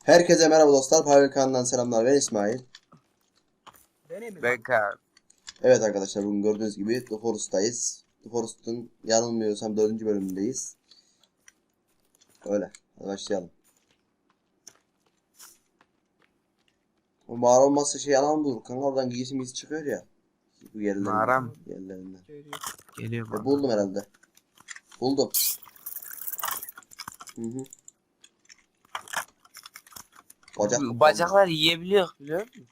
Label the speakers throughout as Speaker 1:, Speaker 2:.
Speaker 1: Herkese merhaba dostlar. Power kanalından selamlar. Ben İsmail.
Speaker 2: Ben Kaan.
Speaker 1: Evet arkadaşlar, bugün gördüğünüz gibi The Forest'tayız. The Forest'ın yanılmıyorsam 4. bölümündeyiz. Öyle. Hadi başlayalım. O mağara olmazsa şey alan bulur. Kanka oradan giysimiz çıkıyor ya. Bu yerlerinden.
Speaker 2: Mağara mı?
Speaker 1: Yerlerinden.
Speaker 2: Geliyor bana.
Speaker 1: Buldum herhalde. Buldum. Hı. Bacak.
Speaker 2: Bacaklar yiyebiliyor biliyor musun?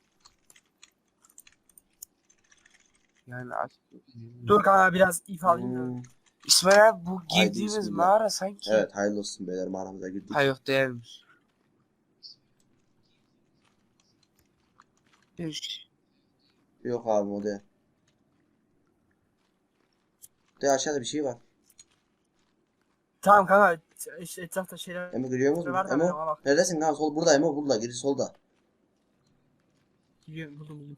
Speaker 2: Yani aç.
Speaker 3: Dur kanka biraz ip alayım da.
Speaker 2: İsmail abi bu
Speaker 1: Haydi
Speaker 2: girdiğimiz
Speaker 1: bismillah.
Speaker 2: mağara sanki.
Speaker 1: Evet, hayırlı olsun beyler, mağaramıza girdik.
Speaker 2: Ha yok değilmiş.
Speaker 1: Yok abi, o değil. De aşağıda bir şey var.
Speaker 3: Tamam kanka işte etrafta şeyler
Speaker 1: Emo görüyor musun?
Speaker 3: var da
Speaker 1: Emo
Speaker 3: ama bak.
Speaker 1: neredesin lan? Sol burada, Emo burada, geri solda.
Speaker 3: Gidiyorum buldum.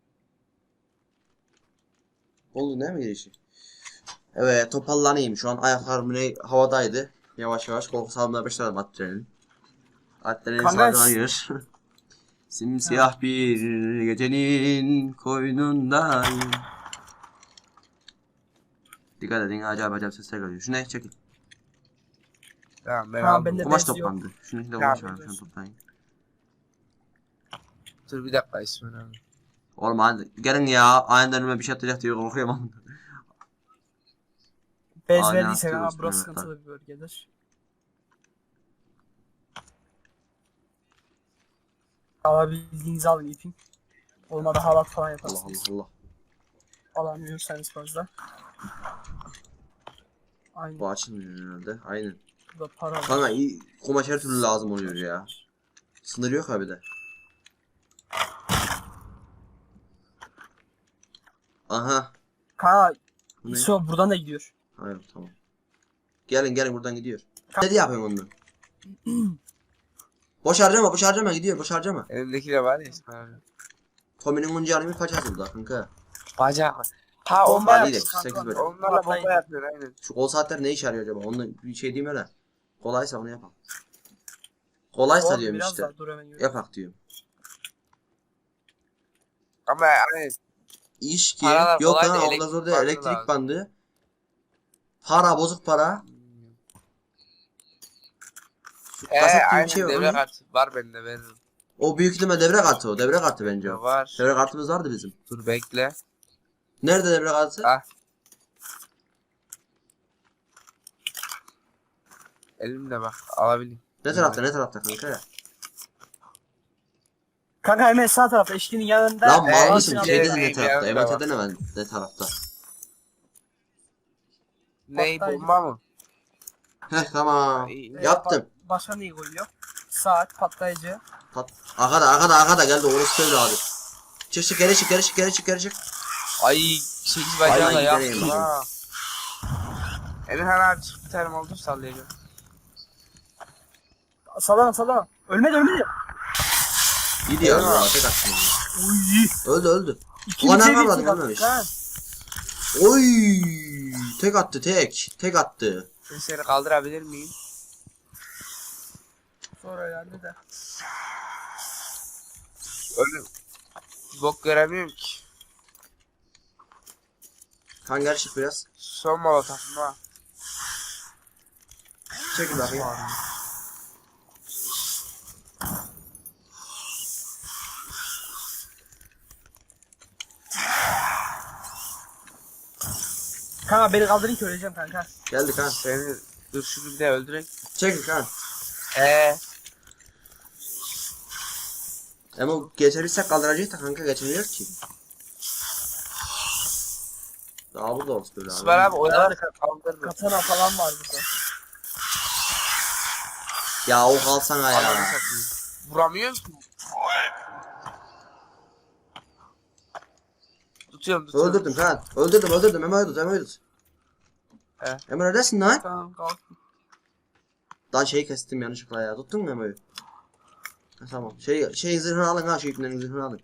Speaker 1: Oldu değil mi girişi? Evet, toparlanayım. Şu an ayaklarım havadaydı. Yavaş yavaş korku salmaya başladım adrenalin. Adrenalin
Speaker 3: Kanka,
Speaker 1: salgılanıyor. Simsiyah bir gecenin koynundayım. Dikkat edin, acayip sesler geliyor. Şu ne? Çekin.
Speaker 2: Tamam ben
Speaker 3: Tamam,
Speaker 2: aldım.
Speaker 3: ben de
Speaker 1: Kumaş
Speaker 3: bez yok.
Speaker 1: toplandı. Şunun içinde
Speaker 2: Tamam,
Speaker 1: kumaş var. Şunu toplayın.
Speaker 2: Dur bir dakika İsmail abi.
Speaker 1: Oğlum hadi gelin ya. Aniden önüme bir şey atacak diye korkuyorum.
Speaker 3: Bez
Speaker 1: Aa, ne
Speaker 3: verdiyse
Speaker 1: yapıyoruz
Speaker 3: kanka burası
Speaker 1: Mehmet abi?
Speaker 3: sıkıntılı bir bölgedir. Alabildiğinizi alın ipin. Olmadı halat falan
Speaker 1: Allah
Speaker 3: yaparsınız.
Speaker 1: Allah.
Speaker 3: Alamıyorsanız fazla. Aynen.
Speaker 1: Bu açılmıyor herhalde. Aynen.
Speaker 3: Burada para var.
Speaker 1: Kanka iyi, kumaş her türlü lazım oluyor ya. Sınır yok abi de. Aha.
Speaker 3: Kanka
Speaker 1: Bu ne?
Speaker 3: İso buradan da gidiyor.
Speaker 1: Hayır, tamam. Gelin buradan gidiyor.
Speaker 3: Tamam.
Speaker 1: Ne diye yapıyorsun onu? Boş harcama gidiyor, boş harcama.
Speaker 2: Elimdeki de var ya İsmail abi.
Speaker 1: Tommy'nin oyuncağını bir kaç hazırda kanka.
Speaker 2: Bacak. Ha
Speaker 3: Bomba
Speaker 2: onlar,
Speaker 1: Hadi
Speaker 3: yapmış
Speaker 1: gidelim, 8
Speaker 3: kanka.
Speaker 1: bölüm.
Speaker 2: onlarla bomba yapıyor aynen.
Speaker 1: Şu kol saatler ne işe yarıyor acaba? Onu bir şey diyeyim hele. Kolaysa onu yapalım. Kolaysa
Speaker 3: Oğlum,
Speaker 1: diyorum
Speaker 3: biraz
Speaker 1: işte.
Speaker 3: daha dur hemen yürü.
Speaker 1: Yapak diyorum.
Speaker 2: Ama aynen.
Speaker 1: İş ki
Speaker 2: Paralar
Speaker 1: yok
Speaker 2: kolay
Speaker 1: lan,
Speaker 2: da
Speaker 1: o kadar
Speaker 2: elektrik
Speaker 1: zor değil.
Speaker 2: bandı
Speaker 1: Elektrik
Speaker 2: lazım.
Speaker 1: bandı. Para, bozuk para. Şu kaset gibi bir
Speaker 2: Aynen
Speaker 1: şey var. O
Speaker 2: devre
Speaker 1: ne?
Speaker 2: kartı var bende veririm.
Speaker 1: O büyük ihtimal devre kartı o. Devre kartı bence o.
Speaker 2: Var.
Speaker 1: Devre kartımız vardı bizim.
Speaker 2: Dur bekle.
Speaker 1: Nerede devre kartı?
Speaker 2: Ah. Elimde bak alabilirim.
Speaker 1: Ne tarafta kanka ya?
Speaker 3: Kanka hemen sağ tarafta eşkinin yanında.
Speaker 1: Lan mal
Speaker 2: Evet,
Speaker 1: mısın?
Speaker 2: evet,
Speaker 1: Şey dedin ne
Speaker 2: evet,
Speaker 1: tarafta?
Speaker 2: evet,
Speaker 1: MT'de ne tarafta?
Speaker 2: Ney
Speaker 3: Patlayıcı.
Speaker 2: bomba mı?
Speaker 1: Heh, tamam. Yaptım.
Speaker 3: Başka neyi koyuyor? Saat, patlayıcı.
Speaker 1: Arkada geldi orası böyle abi. Çık geri çık.
Speaker 2: Ay 8 bacağı da
Speaker 1: Hayvan
Speaker 2: yaptım
Speaker 1: gidereyim
Speaker 2: ha. Emirhan abi çık bir tane oldu sallayacağım.
Speaker 3: Sallama. Ölmedi.
Speaker 1: Gidiyor
Speaker 2: Eyvah.
Speaker 1: ya. Tek attım.
Speaker 3: Uy.
Speaker 1: Öldü.
Speaker 3: İkinci
Speaker 1: Ulan
Speaker 3: seviye
Speaker 1: yapamadım,
Speaker 3: tek attık
Speaker 1: ölmemiş.
Speaker 3: ha.
Speaker 1: Oy! Tek attı. Tek attı.
Speaker 2: Ben seni kaldırabilir miyim?
Speaker 3: Sonra herhalde de.
Speaker 2: Öyle bok göremiyorum ki.
Speaker 1: Hangar çık biraz.
Speaker 2: Son molotofum ha.
Speaker 1: Çekil bakayım.
Speaker 3: Kanka beni kaldırın ki öleceğim kanka.
Speaker 1: Geldik ha.
Speaker 2: Seni dur şunu bir de öldürek.
Speaker 1: Çekil ha. Ama geçebilsek kaldıracağız da kanka, geçemiyor ki. Daha burada olsun böyle abi.
Speaker 2: İsmail abi oyaları kaldırdı.
Speaker 3: Katana falan var burada.
Speaker 1: Ya o kalsana ya.
Speaker 2: Ananı satayım. Vuramıyorum ki. Tutuyorum.
Speaker 1: Öldürdüm kan. Öldürdüm. Hemen öldür.
Speaker 2: He.
Speaker 1: Hemen neredesin lan?
Speaker 3: Tamam kalk.
Speaker 1: Daha şeyi kestim yanlışlıkla ya. Tuttun mu Emo'yu? Ha, tamam. Şey zırhını alın ha, şeylerin zırhını alın.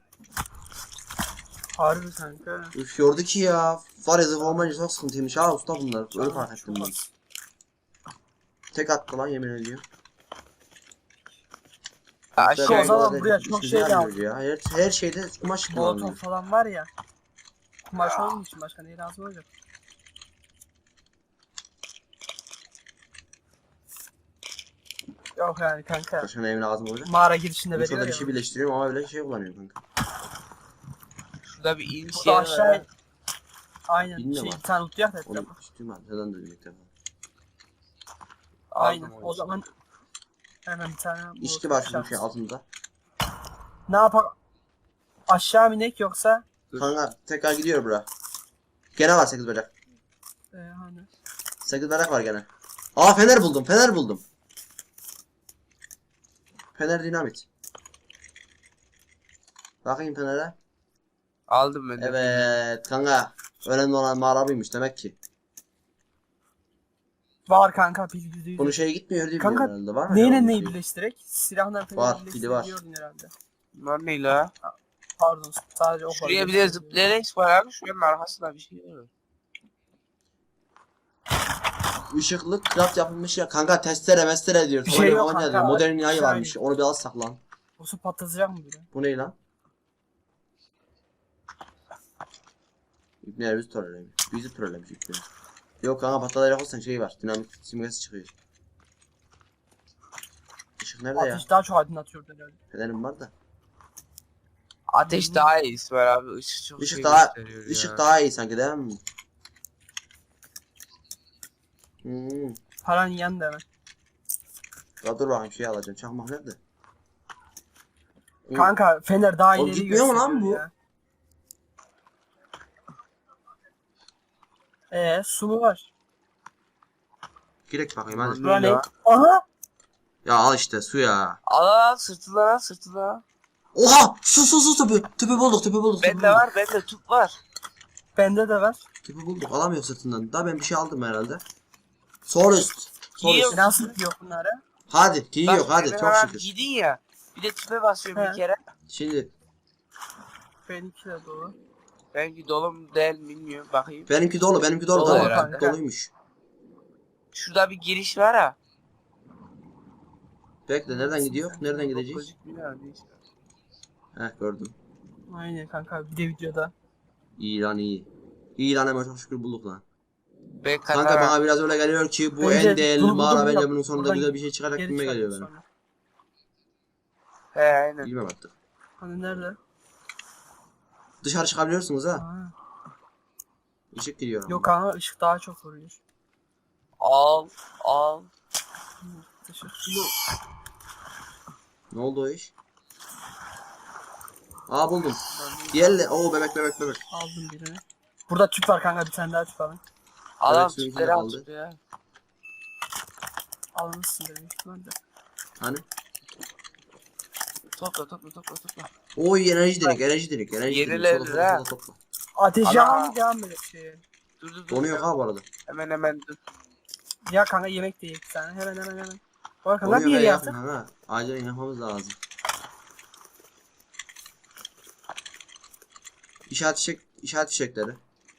Speaker 3: Harbi kanka.
Speaker 1: Üf, gördü ki ya. Var ya, zırh olmayınca çok sıkıntıymış ha usta bunlar. Öyle fark ettim ben. Tek attı lan, yemin ediyorum.
Speaker 2: Aşağı
Speaker 3: o zaman
Speaker 1: Burada
Speaker 3: buraya
Speaker 1: hiçbir
Speaker 3: çok
Speaker 1: şey
Speaker 3: şey
Speaker 1: gelmiyor ya. Her şeyde kumaş
Speaker 3: Molotov
Speaker 1: kullanılıyor.
Speaker 3: falan var ya. Kumaş onun için başka ne lazım olacak? Yok yani kanka.
Speaker 1: Başka neyim lazım olacak?
Speaker 3: Mağara girişinde
Speaker 1: Ben
Speaker 3: veriyor
Speaker 1: şurada bir
Speaker 3: ya.
Speaker 1: şey birleştiriyorum ama öyle şey kullanıyorum kanka.
Speaker 2: Şurada bir iniş
Speaker 3: Burada
Speaker 2: yeri var.
Speaker 3: aşağı... Aynen.
Speaker 1: Bilmiyorum
Speaker 3: Şey,
Speaker 1: abi.
Speaker 3: bir tane tutacak da
Speaker 1: Onu
Speaker 3: etrafa.
Speaker 1: istiyorum ben. Neden duydum ilk defa.
Speaker 3: Aynen.
Speaker 2: Aldım
Speaker 3: O zaman hemen bir tane
Speaker 1: İçki
Speaker 3: molotov
Speaker 1: var şunun şey
Speaker 3: şarkısı.
Speaker 1: altında.
Speaker 3: Ne yapalım? Aşağı mı inek yoksa?
Speaker 2: Dur.
Speaker 1: Kanka tekrar gidiyor bura. Gene var 8 bacak.
Speaker 3: Hani.
Speaker 1: 8 bacak var gene. Aa fener buldum. Fener buldum. Fener dinamit. Bakayım fenere.
Speaker 2: Aldım ben de.
Speaker 1: Evet kanka. Önemli olan mağara buymuş demek ki.
Speaker 3: Var kanka pil %100.
Speaker 1: Bunun şeye gitmiyor diye
Speaker 3: Kanka,
Speaker 1: biliyorum herhalde. Var mı?
Speaker 3: Neyle
Speaker 1: acaba
Speaker 3: neyi
Speaker 1: bunun şeyi?
Speaker 3: birleştirerek? Silahla
Speaker 1: Var,
Speaker 3: falan
Speaker 1: pili var.
Speaker 3: birleştirebiliyordun herhalde.
Speaker 2: Bunlar ne la?
Speaker 3: Pardon sadece o var.
Speaker 2: Şuraya bir de zıplayarak var abi. Şuranın arkasında bir şey var.
Speaker 1: Işıklı craft yapılmış ya. Kanka testere mestere diyor.
Speaker 3: Bir şey yok
Speaker 1: Falan
Speaker 3: kanka,
Speaker 1: diyor. Modern yayı
Speaker 3: aşağı
Speaker 1: varmış. Onu bir alsak lan.
Speaker 3: O su patlatacak mı bile?
Speaker 1: Bu ne lan? İbni bizi trollemiş. Bizi trollemiş İbni. Yok kanka patlayacak olsan şey var. Dinamik simgesi çıkıyor. Işık nerede ya?
Speaker 3: Ateş daha çok aydınlatıyor herhalde.
Speaker 1: Fenerim var da.
Speaker 2: Ateş daha iyi İsmail abi. Işık çok
Speaker 1: Işık
Speaker 2: şey
Speaker 1: daha
Speaker 2: gösteriyor
Speaker 1: ışık
Speaker 2: ya.
Speaker 1: daha iyi sanki değil mi?
Speaker 3: Paran yandı hemen.
Speaker 1: Ya dur bakayım şey alacağım. Çakmak nerede?
Speaker 3: Kanka fener daha
Speaker 1: Oğlum
Speaker 3: ileri
Speaker 1: gitmiyor mu lan
Speaker 3: gösteriyor
Speaker 1: bu?
Speaker 3: ya. Su mu var?
Speaker 1: Girek bakayım hadi.
Speaker 2: Lan
Speaker 3: Bura ne?
Speaker 2: ya.
Speaker 3: Aha!
Speaker 1: Ya al işte su ya.
Speaker 2: Al sırtına sırtına.
Speaker 1: Oha! Su tüpü. Tüpü bulduk tüpü bulduk. tüpü
Speaker 2: Bende
Speaker 1: bulduk.
Speaker 2: var bende tüp var.
Speaker 3: Bende de var.
Speaker 1: Tüpü bulduk. Alamıyor sırtından. Daha ben bir şey aldım herhalde. Sol üst. Sol
Speaker 2: Yiyor.
Speaker 1: üst.
Speaker 3: Nasıl yok bunları?
Speaker 1: Hadi. Giyiyor
Speaker 2: Bak,
Speaker 1: hadi.
Speaker 2: beni
Speaker 1: Çok
Speaker 2: hemen
Speaker 1: şükür.
Speaker 2: giydin ya. Bir de tüpe basıyorum
Speaker 3: He.
Speaker 2: bir kere.
Speaker 1: Şimdi
Speaker 3: Benimki de dolu.
Speaker 2: Benimki dolu mu değil mi bilmiyorum. Bakayım.
Speaker 1: benimki dolu. Benimki dolu.
Speaker 2: Dolu
Speaker 1: Tamam.
Speaker 2: herhalde.
Speaker 1: Doluymuş.
Speaker 2: Şurada bir giriş var ha.
Speaker 1: Bekle nereden gidiyor? Nereden gideceğiz?
Speaker 2: Gözükmüyor abi, neyse.
Speaker 1: Heh gördüm.
Speaker 3: Aynen kanka bir de videoda.
Speaker 1: İyi lan iyi. İyi lan hemen çok şükür bulduk lan.
Speaker 2: Ben
Speaker 1: Kanka
Speaker 2: katana.
Speaker 1: bana biraz öyle geliyor ki bu
Speaker 3: Bence
Speaker 1: en değerli
Speaker 3: bunu
Speaker 1: mağara
Speaker 3: buldum,
Speaker 1: bence
Speaker 3: yap.
Speaker 1: bunun sonunda
Speaker 3: Buradan
Speaker 1: güzel bir şey çıkacak
Speaker 3: Geri
Speaker 1: gibime geliyor
Speaker 3: çıkardım
Speaker 1: benim.
Speaker 3: sonra.
Speaker 2: He aynen.
Speaker 1: Bilmem artık.
Speaker 3: Hani nerede?
Speaker 1: Dışarı çıkabiliyorsunuz ha.
Speaker 3: Aa.
Speaker 1: Işık giriyor.
Speaker 3: Yok kanka ışık daha çok vuruyor.
Speaker 2: Al.
Speaker 3: Teşekkür.
Speaker 1: Ne oldu o iş? Aa buldum. Diğerle. Oo bebek.
Speaker 3: Aldım birini. Burada tüp var kanka bir tane daha tüp alın.
Speaker 2: Al
Speaker 1: Evet, suyun
Speaker 2: tüpleri
Speaker 1: içinde
Speaker 2: al
Speaker 1: kaldı.
Speaker 2: tüpleri al.
Speaker 3: Almışsın dedim ihtimalle.
Speaker 1: Hani?
Speaker 2: Topla.
Speaker 1: Oy enerji direkt.
Speaker 2: Yenilenir ha.
Speaker 1: Topla.
Speaker 3: Ateş
Speaker 2: Ana.
Speaker 3: yakan mı devam edelim şeye?
Speaker 2: Dur.
Speaker 1: Donuyor ha bu arada.
Speaker 2: Hemen dur.
Speaker 3: Ya kanka yemek de yiyek bir tane. Hemen. Bak kanka
Speaker 1: Donuyor
Speaker 3: bir yere
Speaker 1: ha
Speaker 3: yaptık.
Speaker 1: yakın ha. Acilen yapmamız lazım. İşaret fişekleri.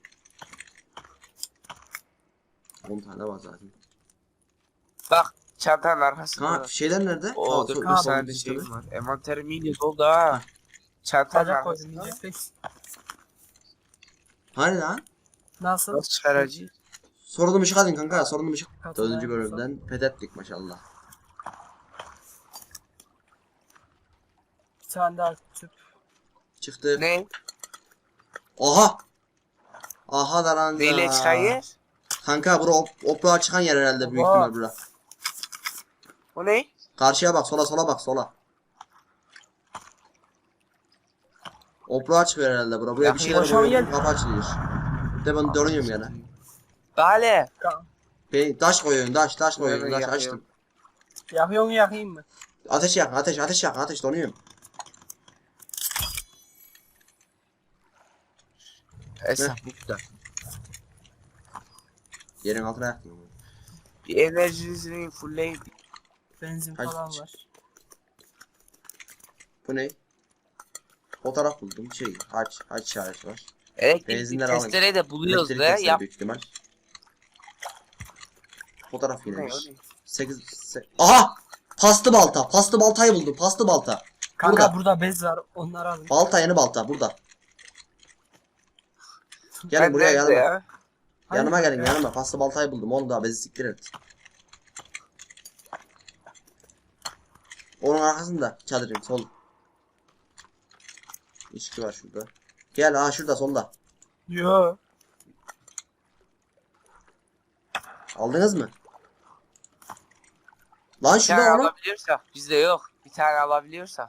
Speaker 1: 10 tane var zaten.
Speaker 2: Bak çantanın arkasında.
Speaker 1: Kanka şeyler nerede?
Speaker 2: Oo
Speaker 1: Aa,
Speaker 2: dur
Speaker 1: sol-
Speaker 2: bir
Speaker 1: sol
Speaker 2: saniye
Speaker 1: sistemi.
Speaker 2: şeyim var. Envanterim iyice doldu ha. Çantanın
Speaker 3: Bacak koydum
Speaker 2: arkasında.
Speaker 3: yiyecek pek.
Speaker 1: Hani lan?
Speaker 3: Nasıl?
Speaker 2: Nasıl çıkaracağız?
Speaker 1: Sorunum ışık adın kanka. Sorunum ışık.
Speaker 3: Katına
Speaker 1: 4. bölümden fethettik maşallah.
Speaker 3: Bir tane daha tüp.
Speaker 1: Çıktı.
Speaker 2: Ne?
Speaker 1: Oha! Aha da lan.
Speaker 2: Neyle çıkayır?
Speaker 1: Kanka bura oprağa çıkan yer herhalde büyük
Speaker 3: Oha.
Speaker 1: ihtimal bura.
Speaker 2: O ne?
Speaker 1: Karşıya bak sola bak sola. Oprağa çıkıyor herhalde bura. Buraya bir şeyler
Speaker 3: boşan
Speaker 1: koyuyorum
Speaker 3: gel.
Speaker 1: kapı açılıyor. De ben donuyorum gene.
Speaker 2: Bale.
Speaker 1: Ben taş koyuyorum taş koyuyorum
Speaker 2: Evet,
Speaker 1: taş açtım.
Speaker 3: Yakıyor mu yakayım mı?
Speaker 1: Ateş yakın ateş donuyorum.
Speaker 2: Esas bu da.
Speaker 1: Yerin altına yaktım.
Speaker 2: Bir enerjinizi fullleyin.
Speaker 3: Benzin
Speaker 1: Kaç-
Speaker 3: falan var.
Speaker 1: Bu ne? Fotoğraf buldum şey aç işareti var.
Speaker 2: Elektrik
Speaker 1: Benzinler alın.
Speaker 2: testereyi de buluyoruz
Speaker 1: Elektrik
Speaker 2: da
Speaker 1: testere
Speaker 2: yap.
Speaker 1: büyük ihtimal. Fotoğraf
Speaker 2: O ne,
Speaker 1: yine.
Speaker 2: o ne?
Speaker 1: 8 Aha! Paslı balta. Paslı baltayı buldum. Paslı balta.
Speaker 3: Kanka
Speaker 1: Burada.
Speaker 3: burada bez var. Onları alın.
Speaker 1: Balta yeni balta burada. Gelin
Speaker 2: Ben
Speaker 1: buraya
Speaker 2: nerede
Speaker 1: yanıma.
Speaker 2: ya?
Speaker 1: Yanıma
Speaker 3: Hayır,
Speaker 1: gelin
Speaker 3: ya.
Speaker 1: yanıma. Paslı baltayı buldum. Onu da bezi siktir et. Onun arkasında çadırın sol. İçki var şurada. Gel ha şurada solda.
Speaker 3: Yo.
Speaker 1: Aldınız mı? Lan
Speaker 2: Bir
Speaker 1: şurada
Speaker 2: tane
Speaker 1: onu.
Speaker 2: alabiliyorsak. Bizde yok. Bir tane alabiliyorsak.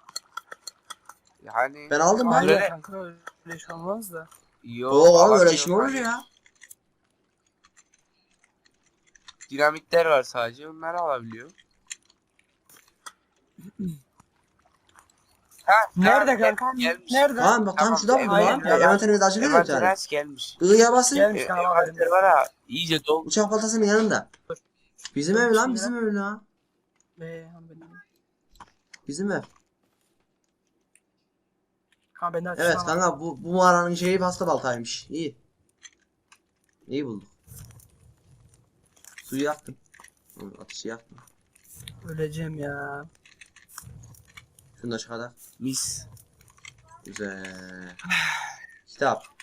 Speaker 2: Yani.
Speaker 1: Ben aldım ben.
Speaker 3: Hayır
Speaker 2: Böyle-
Speaker 3: kanka öyle şey olmaz da.
Speaker 2: Yok.
Speaker 1: Oo öyle
Speaker 2: alamıyorum
Speaker 1: şey mi olur
Speaker 2: hani.
Speaker 1: ya?
Speaker 2: Dinamitler var sadece. Onları alabiliyor. Ha,
Speaker 3: Nerede
Speaker 2: tamam,
Speaker 3: kanka?
Speaker 2: Gelmiş.
Speaker 3: Nerede?
Speaker 1: Tamam bak tam
Speaker 2: Tamam,
Speaker 1: şurada buldum
Speaker 3: hayır,
Speaker 1: lan.
Speaker 3: hayır.
Speaker 1: Envanterimiz açılıyor ya bir tane.
Speaker 2: Envanter gelmiş.
Speaker 1: I'ya basın.
Speaker 3: Gelmiş kanka.
Speaker 2: Envanter var ha. İyice dolu.
Speaker 1: Uçak baltasının yanında. Bizim ev lan bizim ev lan. Bizim ev.
Speaker 3: Kanka ben de
Speaker 1: Evet kanka bu mağaranın şeyi pasta baltaymış. İyi. İyi bulduk. Suyu yaktım. Ateşi yaktım.
Speaker 3: Öleceğim ya.
Speaker 1: Şunu da çıkardık.
Speaker 2: Mis.
Speaker 1: Güzel. Kitap.